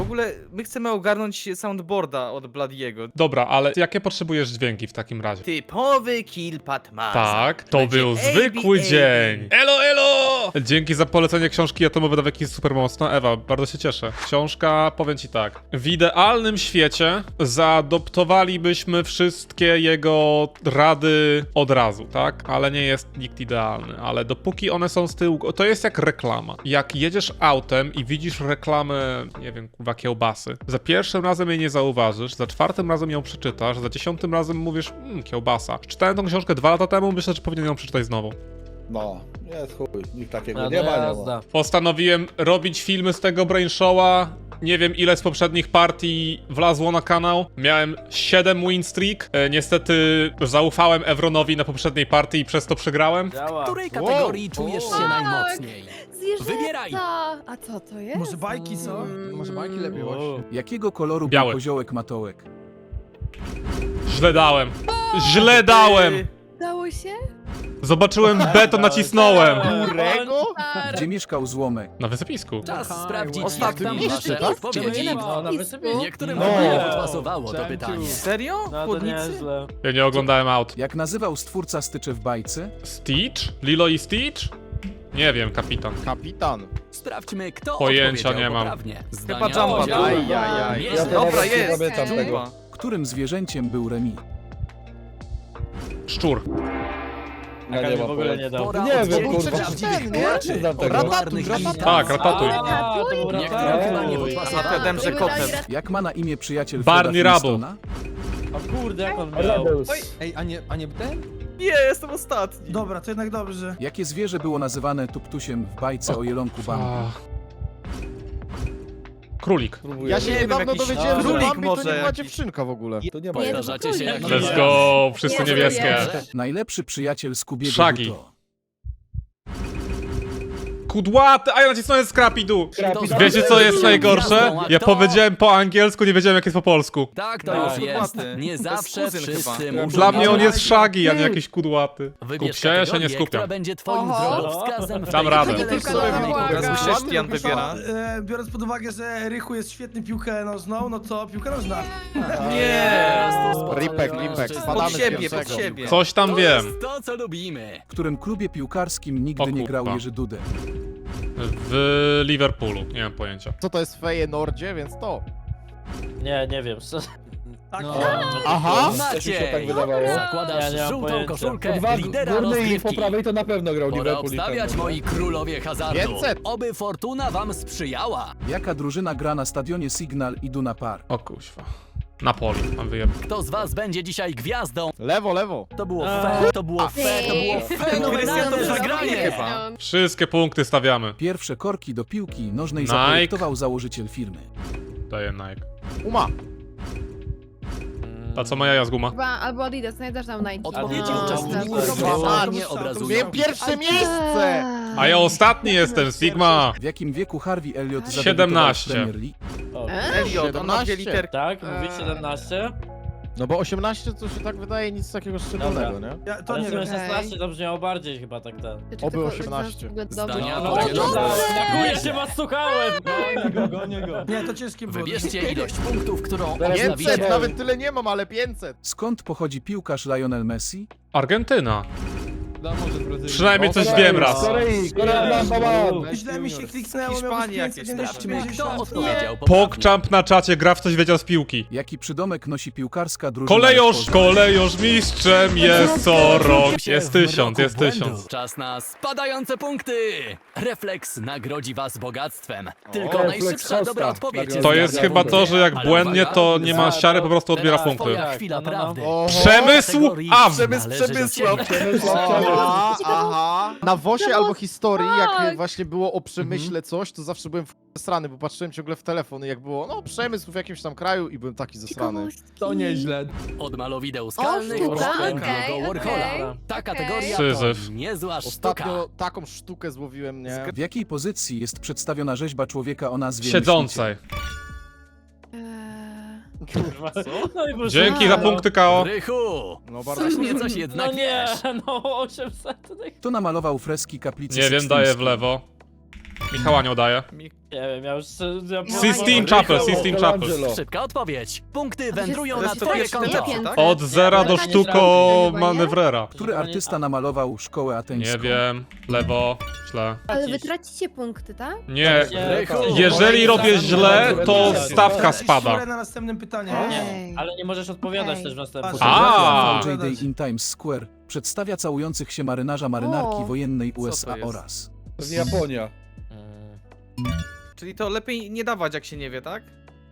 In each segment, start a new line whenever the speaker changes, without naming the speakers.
ogóle my chcemy ogarnąć soundboarda od Bladiego.
Dobra, ale jakie potrzebujesz dźwięki w takim razie?
Typowy kill Patmasa.
Tak, to
Będzie
był zwykły dzień. Elo, elo! Dzięki za polecenie książki Atomowe Daweki jest super mocno. Ewa, bardzo się cieszę. Książka, powiem ci tak. W idealnym świecie zaadoptowalibyśmy wszystkie jego rady od razu, tak? Ale nie jest nikt idealny. Ale dopóki one są z tyłu, to jest jak reklama. Jak jedziesz autem i widzisz reklamę, nie wiem, kurwa, kiełbasy. Za pierwszym razem jej nie zauważysz, za czwartym razem ją przeczytasz, za 10 razem mówisz, kiełbasa. Czytałem tą książkę 2 lata temu, myślę, że powinien ją przeczytać znowu.
No, jest chuj, nikt takiego
No,
nie ma, nie ma.
jazda.
Postanowiłem robić filmy z tego Brainshowa. Nie wiem, ile z poprzednich partii wlazło na kanał. Miałem 7 win streak. Niestety zaufałem Evronowi na poprzedniej partii i przez to przegrałem.
Działa.
W której kategorii czujesz się najmocniej?
Zwierzęta!
Wybieraj.
A co to jest?
Może bajki są?
Może bajki lepiej właśnie.
Jakiego koloru
Biały.
był koziołek matołek?
Źle dałem. Źle dałem.
Dało się?
Zobaczyłem B, to nacisnąłem.
Którego?
Gdzie mieszkał złomek?
Na wysypisku.
Czas sprawdzić, jak
ostatni
tam
jeszcze,
wasze
tak?
odpowiedzi.
No, na wysypisku.
Niektórym
No.
nie pasowało to pytanie.
Serio?
No to
Chłodnicy?
nieźle.
Ja nie oglądałem aut.
Jak nazywał stwórca styczy w bajce?
Stitch? Lilo i Stitch? Nie wiem, kapitan.
Kapitan.
Sprawdźmy, kto
Pojęcia
odpowiedział
nie mam.
poprawnie.
Chyba
Zdania
Jumpa.
podziału.
Ajajaj.
Nieźle.
Dobra,
nie
jest.
pamiętam tego.
Jumpa.
Którym zwierzęciem był Remi?
Szczur.
Ja nie
w
mam
ogóle
pojęcia.
nie dał.
Pora
Nie wiem,
oddzielić
kurwa.
prawdziwych
Nie,
graczy
nie znam
od
tego.
popularnych imitacji.
Tak, Ratatuj.
A, to był
Niektórym chyba nie
Ratatuj.
podpasowało.
Wiadomo, że kotem.
Jak ma na imię przyjaciel
Barney
Freda
Rubble.
Flintstona?
O kurde, jak on miał.
Ej, a nie ten?
Nie, jestem ostatni.
Dobra, to jednak dobrze.
Jakie zwierzę było nazywane tuptusiem w bajce o jelonku Bambi?
Ach. Królik.
Ja się
Nie wiem,
niedawno
jakiś
dowiedziałem, że
królik
Bambi to
może
nie ma
jakiś.
dziewczynka w ogóle. To nie ma.
Nie,
Zdarzacie się jak
Let's go, wszyscy
Nie,
niebieskie.
Najlepszy przyjaciel Scoobiego
Shaggy.
to.
Kudłaty, a ja nacisnąłem Scrappy-Doo.
Kto z
Wiecie
was
co jest
jest
najgorsze?
gwiazdą, a
Ja
kto-
powiedziałem po angielsku, nie wiedziałem jak jest po polsku.
Tak, to
No,
już jest.
kudłaty.
Nie
To jest
zawsze
kuzyn
wszyscy
chyba.
muszą
Dla mnie on
mieć
jest Shaggy, a nie jakiś kudłaty.
Wybierz
Kup się, ja się nie
kategorię, która
skupiam.
będzie twoim
Oho.
drogowskazem w
Dam
tej
radę.
chwili.
Teraz chrześcijan wybiera.
Biorąc pod uwagę, że Rychu jest świetny piłkę nożną, no to piłka nożna.
Nie.
Ripek, spadamy
Pod
z
siebie,
pierwszego.
pod siebie.
Coś tam
To
wiem.
jest to, co lubimy.
W którym klubie piłkarskim nigdy
O
nie grał
kurwa.
Jerzy Dudek?
W Liverpoolu, nie mam pojęcia.
Co to jest w Feyenoordzie, więc to.
Nie wiem.
Tak.
Aha!
Maciej,
tak wydawało.
zakładasz
Ja nie mam
żółtą
pojęcia.
koszulkę lidera rozgrywki.
to na pewno grał
Pora obstawiać, moi królowie hazardu.
500.
Oby fortuna wam sprzyjała.
Jaka drużyna gra na stadionie Signal Iduna Park?
O kuźwa. Napoli, mam wyjeb.
Kto z was będzie dzisiaj gwiazdą?
Lewo.
To było fair, to było fair, to było
Krystian
fenomenalne
to
zagranie.
chyba.
Wszystkie punkty stawiamy.
Pierwsze korki do piłki nożnej
Nike.
zaprojektował założyciel firmy.
Daję Nike.
Uma.
A co moja z guma?
Chyba albo Adidas, nie też tam Nike.
Odpowiedzi
A,
uczestników
no,
dokładnie
no,
obrazują.
Miałem pierwsze miejsce!
A ja ostatni jestem, Sigma.
W jakim wieku Harvey Elliott zadebiutował
17.
w Premier League?
Elliot, on ma 2
17.
literki.
Tak, mówi 17.
No bo 18 to się tak wydaje nic takiego szczególnego, nie?
Ja, to
Ale
nie
w sumie
wiem.
16 to brzmiało bardziej chyba tak ten.
Oby 18.
Zdania
No,
podzielone.
tak, ja się was słuchałem!
Nie, to ciężkie było.
Wybierzcie ilość punktów, którą
500,
obstawicie.
nawet tyle nie mam, ale 500.
Skąd pochodzi piłkarz Lionel Messi?
Argentyna. Przynajmniej coś wiem raz.
Źle mi się kliknęło,
Hiszpanii
miał
jakieś
Sprawdźmy,
550.
kto odpowiedział poprawnie.
Pogchamp na czacie, gra w coś wiedział z piłki.
Jaki przydomek nosi piłkarska drużyna?
Kolejorz mistrzem jest co rok. Jest 1000, jest 1000.
Czas na spadające punkty! Refleks nagrodzi was bogactwem. Tylko najszybsza dobra odpowiedź.
To jest chyba to, że jak błędnie, to nie ma siary, po prostu odbiera
Teraz
punkty.
twoja chwila prawdy.
Przemysł A!
Aha. Na WOSie albo historii, jak
Tak.
właśnie było o przemyśle coś, to zawsze byłem strany, bo patrzyłem ciągle w telefon i jak było, no przemysł w jakimś tam kraju i byłem taki zesrany.
To nieźle.
Od malowideł skalnych
sztuka,
po
okej,
Andy'ego Warhola.
okej.
Ta
Okej.
kategoria
Syzyf.
to niezła sztuka.
Ostatnio taką sztukę złowiłem, nie?
W jakiej pozycji jest przedstawiona rzeźba człowieka o nazwie
Siedzącej.
Kurwa. No i proszę.
Dzięki za punkty, KO.
Rychu!
No bardzo.
Coś mnie coś
No
jednak
nie,
wiesz.
no 800.
Kto namalował freski kaplicy
Nie wiem, daję w
Sykstyńskiej?
lewo. Michała nie udaje.
Nie wiem, ja już...
Sistine Chapel, Sistine Chapel.
Szybka odpowiedź. Punkty
to
wędrują
jest
na twoje
tak,
konto.
nie
tak?
Od zera do
nie
sztuko
zrobię,
nie?
manewrera.
Który artysta namalował szkołę ateńską?
Nie wiem, lewo, źle.
Ale wy tracicie punkty, tak?
Nie,
Rychu.
jeżeli robię źle, to stawka spada.
Szurę na następnym pytaniu.
Ej.
Ale nie możesz odpowiadać
Okej.
też w następnym.
A.
Fotografia J-Day in Times Square przedstawia całujących się marynarki
O.
wojennej
to
USA
jest?
oraz...
Pewnie Japonia.
Czyli to lepiej nie dawać, jak się nie wie, tak?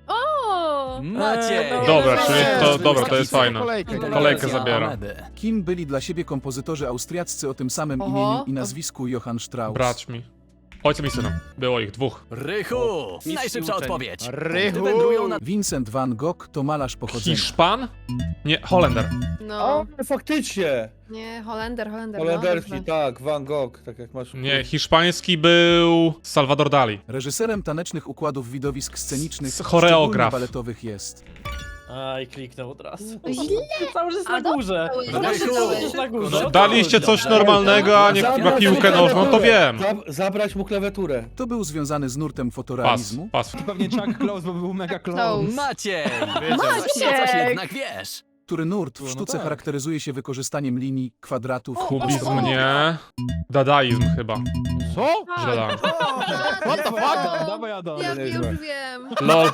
O!
Maciej.
Dobra, czyli to,
Jezu,
dobra, to jest fajne.
Kolejkę.
Kolejkę zabiera.
Kim byli dla siebie kompozytorzy austriaccy o tym samym
Oho.
imieniu i nazwisku Johann Strauss?
Braćmi. Ojcem i synem. Było ich dwóch.
Rychu. Najszybsza
uczeń.
odpowiedź.
Rychu.
Punkty wędrują na
Vincent van Gogh to malarz pochodzenia.
Hiszpan? Nie, Holender.
No,
Faktycznie.
nie, Holender.
Holenderski,
No,
tak, Van Gogh, tak jak masz.
Nie, hiszpański był Salvador Dali.
Reżyserem tanecznych układów widowisk scenicznych,
Choreograf.
szczególnie baletowych jest.
Aj, kliknął od razu.
Źle.
Cały czas
A
na górze.
dobrze,
Cały czas
dobrze.
będziesz na górze.
Daliście coś normalnego, a nie chyba piłkę nożną, to wiem.
Zabrać mu klawiaturę.
To był związany z nurtem
Pas,
fotorealizmu.
pas.
Pewnie Chuck Close, bo był mega
To.
close.
Maciej.
Maciek!
Coś jednak wiesz.
który nurt w
No
sztuce
tak.
charakteryzuje się wykorzystaniem linii, kwadratów,
Kubizm nie. Dadaizm chyba.
Co?
Źle dałem.
What the fuck?
Dawaj Adam.
Ja
Niezłe.
już wiem.
LOL.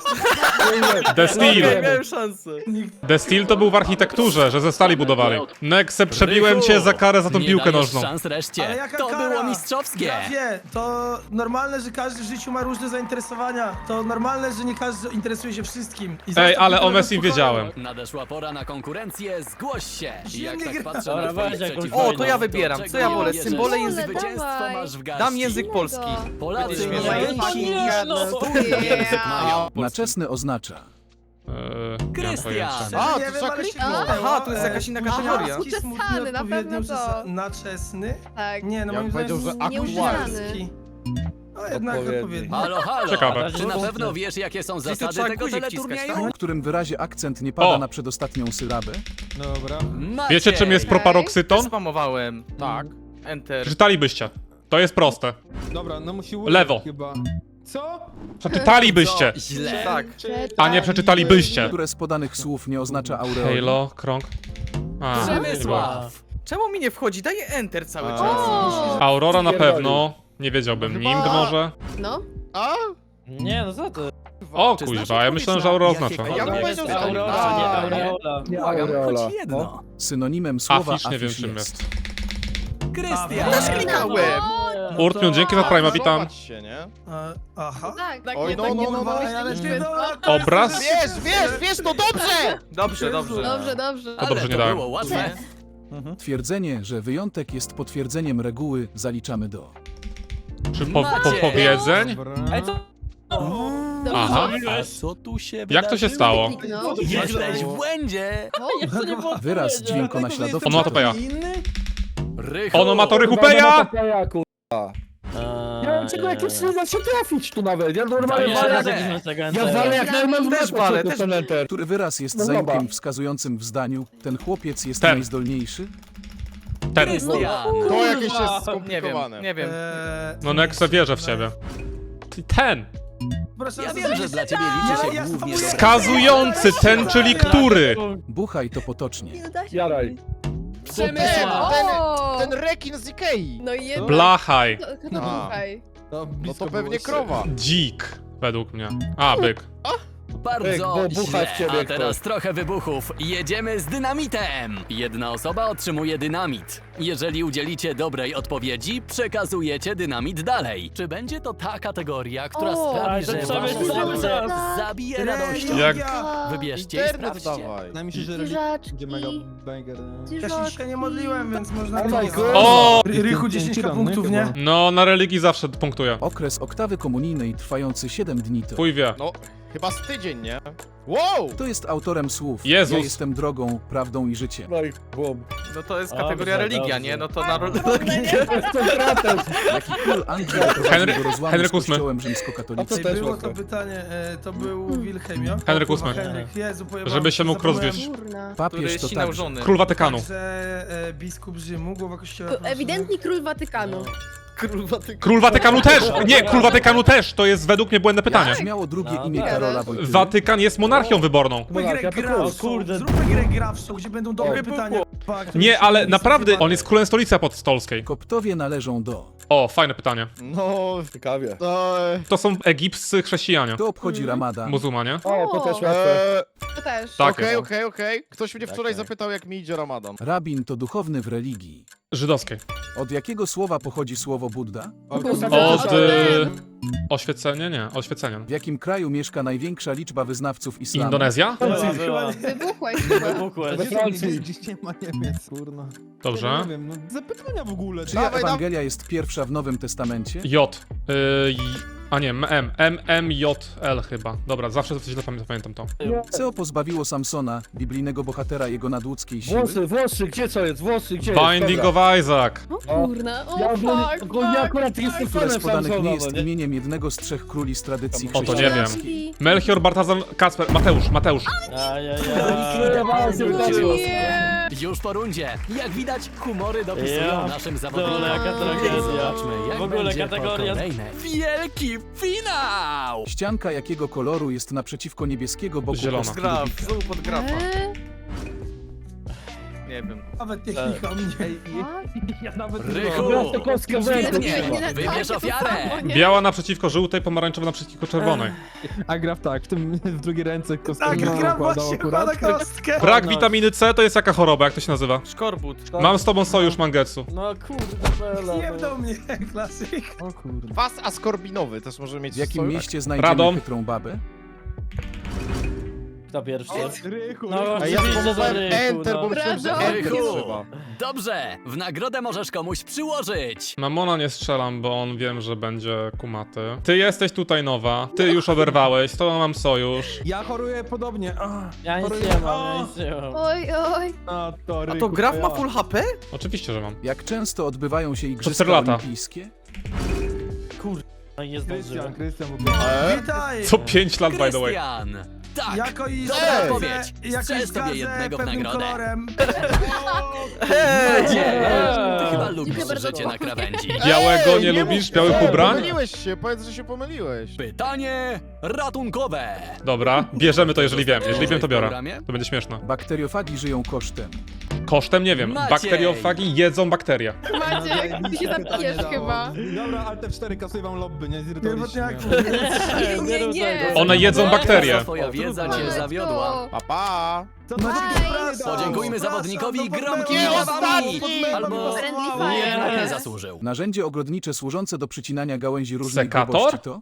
The Steel.
Miałem szansę.
The Steel to był w architekturze, że ze stali budowali. Nexe, przebiłem cię za karę za tą
Nie
piłkę
dajesz
nożną.
szans reszcie.
Ale jaka
To
kara?
było mistrzowskie.
Grafie, to normalne, że każdy w życiu ma różne zainteresowania. To normalne, że nie każdy interesuje się wszystkim. I
Ej,
zostaw
ale
mi
o
trochę
Messim
spokoju.
wiedziałem.
Nadeszła pora na konkurencję, zgłoś się. Jak
Zimny
tak
gra.
patrzę
Dobra,
na twoich
weź jakąś
przeciwników,
O, to ja wybieram.
czego
Co ja wolę?
bierzesz?
Symbole,
Symbole,
język.
Zwycięstwo
dawaj.
masz w garści.
Dam język polski.
Polacy
Będzie
nie
śmieszne.
mają
Yeah.
Na czesny oznacza.
Nie mam
Krystian.
pojęcia.
A,
Nie
to
wiem,
trzeba
ale się
kliknąć.
kliknęło.
Aha, to jest jakaś inna kategoria.
Smutki, smutny,
Uczesany, na
odpowiednio
pewno to.
Na czesny?
Tak.
Nie, no
Ja
moim
bym powiedział,
zdaniem
że
nieużywalski. No jednak odpowiedni.
Halo, halo.
Ciekawe.
Czy na pewno wiesz, jakie są
to
zasady
trzeba
tego
guzik
teleturnieju?
W którym wyrazie akcent nie pada
O.
na przedostatnią sylabę.
Dobra.
Maciej.
Wiecie czym jest proparoksyton?
Spamowałem.
Tak.
Enter.
Przeczytalibyście. To jest proste.
Dobra, no musi
Lewo.
chyba. Co?
Przeczytalibyście.
Źle.
Tak.
A nie przeczytalibyście.
Które z podanych słów nie oznacza aureoli.
Halo, krąg. A, nie było.
Przemysław.
Czemu mi nie wchodzi? Daję enter cały czas.
O!
Aurora na pewno. Nie wiedziałbym.
Chyba-
Nimd może?
No.
A?
Nie, no co ty?
O
Czy znasz
kuźwa, ja
odpowiedź
myślałem,
na
że Aurora
jakie
oznacza.
kolory
Ja bym
To
powiedział,
jest
że
Aurora,
A,
nie
nie.
Aureola.
Błagam, choć jedno.
Synonimem słowa
Afisz, nie wiem
afisz
czym
jest.
jest.
Krystian.
Klikałem.
Urtmion, dzięki za Prima, witam.
Zobacz się, nie?
Aha.
Tak, tak.
Oj,
nie,
no,
tak
no,
nie
no,
próbowałeś
ale
tego
ty
świetnie.
Obraz?
Wiesz, to dobrze!
Dobrze, dobrze.
Dobrze, dobrze.
To dobrze
Ale
nie
to
dałem.
było łatwe.
Twierdzenie, że wyjątek jest potwierdzeniem reguły, zaliczamy do.
Czy
Maciej.
powiedzeń?
Dobra.
Ej, co?
Dobrze.
Aha.
A co tu się
Jak to się stało?
Kliknął.
Jesteś w błędzie.
Jeszcze nie było
Wyraz
odpowiedzi.
dźwiękonaśladowczy.
Onomatopeja.
Rychu.
Onomatorychupeja!
Ja mam czego jakieś nie da się trafić tu nawet. Ja
To
normalnie
jeszcze
walę
raz
jak...
jakiś tego
Ja
entera.
walę jak najmniej
Też walę, też.
enter.
Który wyraz jest
No
zajątkiem
dobra.
wskazującym w zdaniu, ten chłopiec jest
Ten.
najzdolniejszy?
Ten.
Krystian.
To jakieś jest
Nie wiem,
skomplikowane.
nie wiem.
No Nexe wierzę w ciebie. Ten.
Proszę,
Ja wiem, że dla ciebie liczy się
Ja
głównie
spamuję.
Wskazujący, ten, czyli który?
Buchaj to potocznie.
Nie da się.
Jaraj.
Przemysław. O!
Ten rekin z Ikei.
No i jednak.
Blachaj.
To słuchaj.
No to pewnie krowa.
Dzik. Według mnie. A, byk.
Bardzo
Byk, bo bucha
źle.
w ciebie
A teraz
ktoś.
trochę wybuchów. Jedziemy z dynamitem. Jedna osoba otrzymuje dynamit. Jeżeli udzielicie dobrej odpowiedzi, przekazujecie dynamit dalej. Czy będzie to ta kategoria, która
O,
sprawi,
ale
że
to
wasze
Przemysław.
serce zabije radością?
Jak-
Wybierzcie i
Internet
sprawdźcie.
dawaj.
Wydaje mi się, że
Zwierzaczki.
będzie mega banger.
Ja się dzisiaj nie modliłem, więc można
Oh my
to...
God.
O!
Rychu 10 punktów, nie?
No, na religii zawsze punktuję.
Okres oktawy komunijnej trwający 7 dni to.
Chuj wie.
No, chyba z tydzień, nie? Wow!
Kto jest autorem słów?
Jezus.
Ja jestem drogą, prawdą i życiem.
No i bum.
No to jest
Dobrze,
kategoria religia,
dobrze.
nie? No to na religię.
Jaki król Anglii doprowadził do rozłamu
Henryk
z
VIII.
kościołem
A to
rzymskokatolickim?
też
Było to
łatwe.
pytanie, to był Wilhelmio.
Henryk
O, kurwa,
VIII.
Henryk, Jezu, pojebałem
Żeby się mógł
zapomniałem.
rozwieść.
Kurna.
Który
Papież to
ścinał
także.
żony.
Król Watykanu.
Także biskup Rzymu, głowa kościoła.
To ewidentnie król Watykanu.
Król Watykanu też! Nie, Król Watykanu też! To jest według mnie błędne pytanie.
Jak brzmiało drugie
No,
imię
tak.
Karola Wojtyły?
Watykan jest monarchią wyborną.
Zróbmy
Monarchia
grę
to
grawszą,
kurde.
zróbmy grę grawszą, gdzie będą dobre pytania.
Nie, ale naprawdę, on jest królem stolicy apostolskiej.
Koptowie należą do...
O, fajne pytanie.
No,
Ciekawie.
To są egipscy chrześcijanie.
Kto obchodzi Ramadan?
Muzułmanie?
O, to też łatwe.
To też.
Tak.
Okej. Ktoś mnie wczoraj zapytał, jak mi idzie Ramadan.
Rabin to duchowny w religii.
Żydowskiej.
Od jakiego słowa pochodzi słowo Budda?
Od... Oświecenie? Nie, oświecenia.
W jakim kraju mieszka największa liczba wyznawców islamu?
Indonezja?
Wybuchłeś.
Wybuchłeś.
We Francji.
Gdzieś nie ma Niemiec, kurna.
Dobrze.
Nie wiem, no zapytania w ogóle.
Czyja
Dawaj,
Ewangelia jest pierwsza w Nowym Testamencie?
J. A nie, MMJL chyba. Dobra, zawsze coś źle pamiętam to.
Co pozbawiło Samsona, biblijnego bohatera, jego nadludzkiej siły?
Włosy, gdzie co jest? Włosy, gdzie
Binding
Dobra.
of Isaac.
O kurna, o
Ja
fuck,
akurat jestem
Które z
fanem
podanych nie
Samsona,
jest
nie?
imieniem jednego z trzech króli z tradycji
O, to nie wiem.
chrześcijańskiej?
Melchior, Bartazar, Kacper, Mateusz.
Nie.
Już po rundzie. Jak widać, humory dopisują
Ja
naszym
dole,
zawodnikom.
jaka tragedia.
Zobaczmy, jak
W ogóle
będzie
kategoria-
po kolejne. Wielki finał!
Ścianka jakiego koloru jest naprzeciwko niebieskiego boku
Zielona.
kostki
Graf,
Rubika?
znowu pod grafa.
Eee,
Nie wiem.
Nawet technika o mnie.
Ja nawet
Rychu!
Teraz to kostkę w rękę
Świetnie!
trzyma.
Wybierz
to
ofiarę!
samo, nie?
Biała naprzeciwko żółtej, pomarańczowa naprzeciwko czerwonej.
A graf tak, w drugiej ręce kostkę
Tak, gra właśnie
akurat.
kłada kostkę.
Brak witaminy C to jest jaka choroba, jak to się nazywa?
Szkorbut.
Mam z tobą sojusz, Mangetsu.
No kurde, Bela.
Nie do mnie, klasyk.
O kurde.
Kwas askorbinowy też może mieć
W jakim
sojusz.
mieście znajdziemy
Radom.
chytrą babę?
Kto pierwszy?
Rychu,
No,
A ja
oczywiście, że
spróbowałem
Rychu,
Enter,
no.
bo myślałem, że
Brawo.
Enter
Rychu.
trzeba.
Dobrze! W nagrodę możesz komuś przyłożyć!
Mamona nie strzelam, bo on wiem, że będzie kumaty. Ty jesteś tutaj nowa, ty już oberwałeś, z tobą mam sojusz.
Ja choruję podobnie.
Ja nic
choruję.
nie mam, ja nic nie mam.
Oj, oj.
A to,
A
Rychu,
to graf
ja.
ma full HP?
Oczywiście, że mam.
Jak często odbywają się
4
Igrzyska
lata.
Olimpijskie?
No i nie zdążyłem.
Krystian w ogóle.
Witaj.
Co 5 lat, by the way.
Krystian! Tak!
Jako i
Dobra odpowiedź.
jako
Strzel
i
sobie
zgadzę
jednego w
pewnym
nagrodę.
kolorem.
Maciej! Ty chyba lubisz
Dziękuję bardzo.
życie na krawędzi.
Białego nie
mów-
lubisz? Białych ubrań?
Pomyliłeś się, powiedz, że się pomyliłeś.
Pytanie ratunkowe!
Dobra, bierzemy to, jeżeli wiem. Jeżeli wiem, to
W
biorę.
programie?
To będzie śmieszne.
Bakteriofagi żyją kosztem.
Kosztem nie wiem.
Maciej!
Bakteriofagi jedzą bakterie.
Maciek, ty się zabijesz chyba.
Dobra, ale te 4 kasuję wam lobby, nie? Zirytowaliście
Pierwotniaku.
mnie.
Nie, nie.
One jedzą bakterie.
Twoja wiedza cię
Matko.
zawiodła.
Pa, pa.
Co to
Aj.
przepraszam,
Podziękujmy
przepraszam,
zawodnikowi
no
gromkimi
Nie,
brawami!
ostatni!
Albo
Friendly
jednak
fire.
nie zasłużył.
Narzędzie ogrodnicze służące do przycinania gałęzi różnej
Sekator?
grubości to?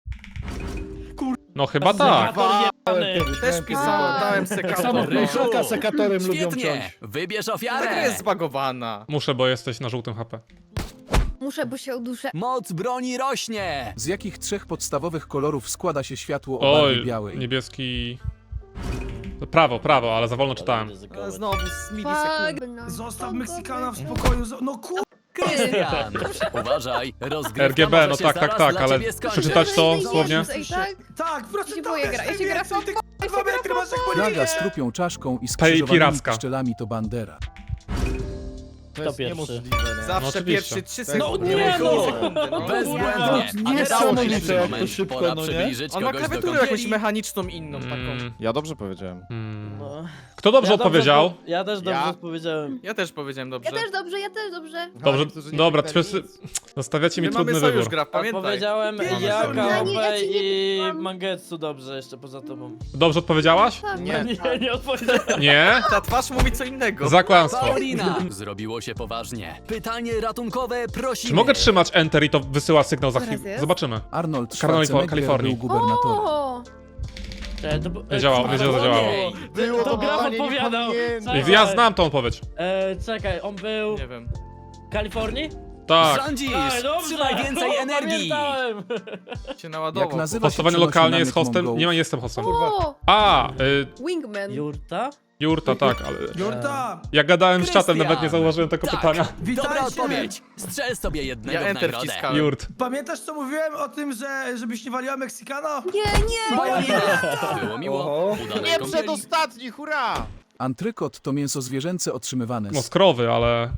No chyba tak.
Też pisałem, dałem sekator.
Samo
Rychu.
Ryszaka sekatorem lubią
Świetnie!
ciąć.
Wybierz
Ta gra jest
ofiarę!
zbagowana.
Muszę, bo jesteś na żółtym HP.
Muszę, bo się uduszę.
Moc broni rośnie!
Z jakich trzech podstawowych kolorów składa się światło o barwie
Oj,
białej?
niebieski... Prawo, ale za wolno czytałem.
Znowu z milisekund.
Fuck.
Zostaw Meksykana w spokoju. No kur...
Krystian! Uważaj, rozgrywka
RGB,
może
no
się
tak,
zaraz
tak,
dla
ale
ciebie skończyć.
przeczytać to słownie?
Ej, tak?
Tak, proszę
się boję grać, ja się gra
więcej, ty 2 metry masz jak
Flaga
polinie.
z trupią czaszką i skrzyżowanymi
piracka.
pszczelami to bandera.
To
Kto
jest
pierwszy?
niemożliwe, nie?
Zawsze
oczywiście.
pierwszy 3
No
sekundy.
nie, no.
sekundy, no.
Bezbłędnie! A teraz
Niesamowite,
najlepszy
jak to
moment.
szybko,
Pora
no nie?
przybliżyć
On ma
kogoś do
klawiaturę jakąś
kąpieli.
mechaniczną inną taką.
Ja dobrze powiedziałem.
No.
Kto dobrze odpowiedział?
Ja też dobrze
Ja?
odpowiedziałem.
Ja też powiedziałem dobrze.
Ja też dobrze, ja też dobrze.
Dobrze,
niektórzy nie
dobra,
powiedzieli
wszyscy... Zostawiacie mi
My mamy
trudny
sojusz
wybór.
gra, pamiętaj.
Odpowiedziałem
Pięć
ja,
sekund.
Ja
KOP
ci nie
i
powiedziałam.
Mangetsu dobrze jeszcze poza tobą.
Dobrze odpowiedziałaś?
Tak.
Nie.
Nie odpowiedziałem.
Nie?
Ta twarz mówi co innego.
Za kłamstwo.
Paulina! Zrobiło się poważnie. Pytanie ratunkowe prosimy.
Czy mogę trzymać Enter i to wysyła sygnał za
Teraz
chwilę?
jest?
Zobaczymy.
Arnold
Kalifornii.
Schwarzenegger był gubernatorem.
O!
Nie działało, nie zadziałało.
Było
To graf
pytanie, nie
odpowiadał.
pamiętam.
Ja znam tą odpowiedź.
Czekaj, on był
Nie wiem.
w Kalifornii?
Tak.
Rządzisz!
Dobrze.
Trzymaj więcej energii!
Pamiętałem.
Się naładował.
Jak nazywa się
Hostowanie
przenośny
lokalnie jest
namysł
hostem?
Mongołów?
Nie jestem hostem.
O!
A,
Wingman.
Jurta?
Jurta, tak, ale...
Jurta,
Ja gadałem z czatem,
Krystian.
nawet nie zauważyłem tego
Tak.
pytania.
Dobra
witajcie.
odpowiedź! Strzel sobie jednego
Ja
w
Enter
nagrodę.
wciskałem.
Jurt.
Pamiętasz co mówiłem o tym, żebyś nie waliła Meksykana?
Nie, nie!
Paulina! Było miło.
Oho.
Udanej
Nie
kąpieli.
przedostatni, hurra!
Antrykot to mięso zwierzęce otrzymywane
No
z...
z krowy, ale...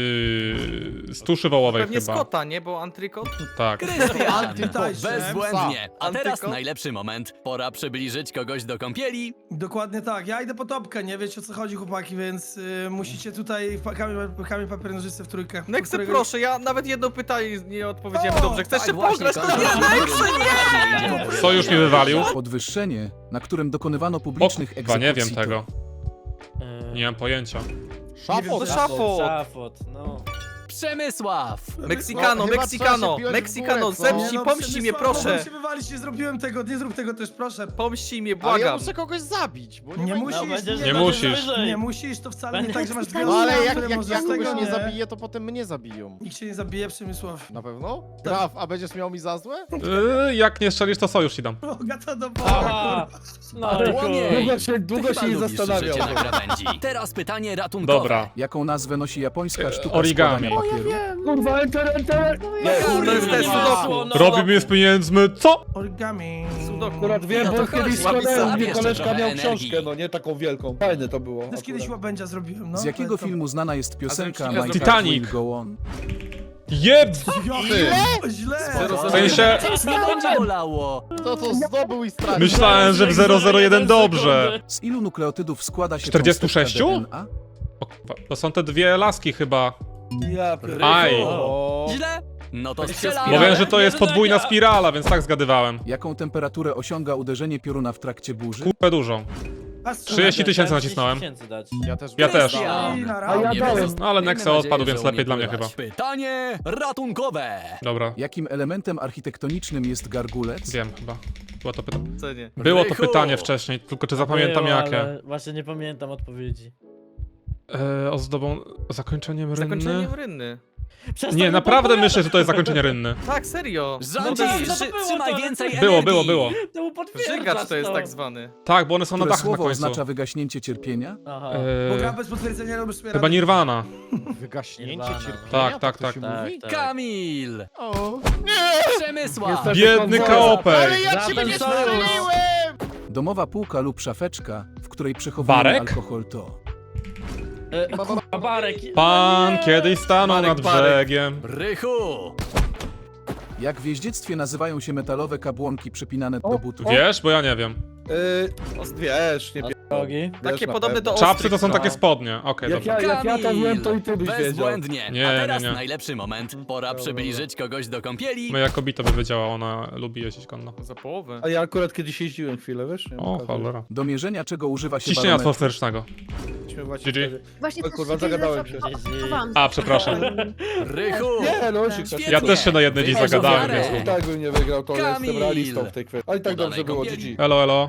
z tuszy wołowej
Pewnie
chyba.
z kota, nie? Bo antrykot?
Tak.
Krystian!
Pytajcie.
Bezbłędnie. A teraz
Antyko?
najlepszy moment. Pora przybliżyć kogoś do kąpieli.
Dokładnie tak. Ja idę po topkę, nie wiecie o co chodzi, chłopaki, więc musicie tutaj kamień, papier, nożyce w trójkę.
Nexe,
Którego-
proszę, ja nawet jedno pytanie nie odpowiedziałem
O,
dobrze. Chcesz się pograć? To
kończymy.
nie!
Co już mi wywalił?
Podwyższenie, na którym dokonywano publicznych
Chyba
egzekucji.
nie wiem
to-
tego. Nie mam pojęcia.
Szafot.
Szafot.
Szafot, no.
Przemysław!
Meksykano,
chyba
Meksykano,
trzeba się piąć w
Meksykano,
górę, co?
zemści,
Nie, no,
pomści mnie,
Przemysław,
proszę.
mogłem się wywalić, nie zrobiłem tego, nie zrób tego też, proszę.
Pomści mnie,
Ale ja
błagam.
muszę kogoś zabić, bo
Nie
ma-
musisz,
będziesz-
Nie musisz.
Nie musisz, to wcale nie tak, że masz dwie
No ale
osoby,
jak,
które
jak
możesz
ja
z
kogoś
tego
nie zabiję, to potem mnie zabiją.
Nikt się nie zabije, Przemysław.
Na pewno? Graf, a będziesz miał mi za złe?
Jak nie strzelisz, to sojusz ci dam.
Boga to do
Aha. No i
Łomiej.
Długo
Ty
się
chyba
nie
lubisz
zastanawiał.
życie na krawędzi. Teraz pytanie ratunkowe.
Dobra.
Jaką nazwę nosi japońska sztuka
origami.
składania papieru?
Kurwa, enter!
To jest ten sudoku.
Robi mnie z pieniędzmi, co?
Origami.
Sudoku.
Akurat wiem,
No to
bo
chodź,
kiedyś
łapisz
składałem,
sobie
gdzie
jeszcze
koleżka
trochę
miał
energii.
książkę, no nie taką wielką. Fajne to było.
Też kiedyś
akurat.
łabędzia zrobiłem, no.
Z jakiego
ale to-
filmu znana jest piosenka
A z
My
Titanic.
Heart Will Go On?
Jeb!
Źle!
W sensie,
Nie będzie bolało.
To zdobył i stracił.
myślałem, że w 001 dobrze.
Z ilu nukleotydów składa się
46?
cząstka DNA?
O, kurwa, to są te dwie laski chyba.
Ja pierdolę.
Aj.
O.
Źle? No to strzelamy.
Mówiłem, że to jest podwójna spirala, więc tak zgadywałem.
Jaką temperaturę osiąga uderzenie pioruna w trakcie burzy?
Kupę dużą. 30 000 nacisnąłem.
30 000 dać.
Ja też.
Ja też.
I na
A
razie.
ja
Nie
dałem.
pozostanie
No ale Nexe odpadł,
nadzieję,
więc
że
lepiej
umie
dla mnie
pływać.
chyba.
Pytanie ratunkowe.
Dobra,
Jakim elementem architektonicznym jest gargulec?
wiem chyba. Było to pytanie.
Co nie?
Było to
Rychu.
pytanie wcześniej, tylko czy zapamiętam
Było,
jakie.
ale Właśnie nie pamiętam odpowiedzi.
Ozdobą zakończeniem rynny?
Zakończeniem rynny.
Przestań
Nie,
mi
naprawdę
podpowiadać.
myślę, że to jest zakończenie rynny.
Tak, serio.
Rządzisz,
No to było
trzymaj
to,
więcej
ale-
energii.
Było.
To mu potwierdzasz
Żygacz to jest
to.
tak zwany.
Tak, bo one są na
Które
dachach na
słowo
końcu.
oznacza wygaśnięcie cierpienia?
Aha.
Bo gra bez potwierdzenia robisz sobie
Chyba
radę.
Nirvana.
Wygaśnięcie
Nirvana, no.
cierpienia?
Tak, tak,
to
tak.
się
Tak,
mówi?
tak.
Kamil.
O.
Przemysław.
Niestety
Biedny
konsola.
kaopek.
Ale ja
Za
ciebie
ten
nie
sojusz.
strzeliłem!
Domowa półka lub szafeczka, w której przechowujemy
Barek?
alkohol to...
Kurwa, Barek.
Pan
No nie.
kiedyś stanął
Barek,
nad
Barek.
brzegiem.
Rychu.
Jak w jeździectwie nazywają się metalowe kabłonki przypinane do butów?
Wiesz? Bo ja nie wiem.
Wiesz, nie
Drogi.
Takie
na
podobne do
pewno.
Czapsy to są
ostrych,
takie
no.
spodnie. Okej,
Jak
dobra.
ja to wiem, to i ty byś wiedział.
Bezbłędnie.
Nie,
A teraz
nie, nie.
najlepszy moment. Pora przybliżyć kogoś do kąpieli.
Moja kobieta by wiedziała, ona lubi jeździć konno.
Za połowę.
A ja akurat kiedyś jeździłem chwilę, wiesz? Nie
O,
wiem,
cholera.
Do mierzenia czego używa się
Ciśnienia
barometr?
atmosferycznego.
okazji. Właśnie
GG.
wtedy.
Właśnie
O
też
kurwa,
się
zagadałem
kiedyś
się.
zaopakowałam.
A, przepraszam.
Rychu.
Nie, no, się
Świetnie.
Ja też się na jednej dziś
Wychodź
zagadałem,
ofiarę.
więc...
I tak bym nie wygrał, to
Kamil.
jestem realistą w tej kwestii. Ale i tak
Udanej
dobrze było,
kąpieli.
GG.
Elo, elo.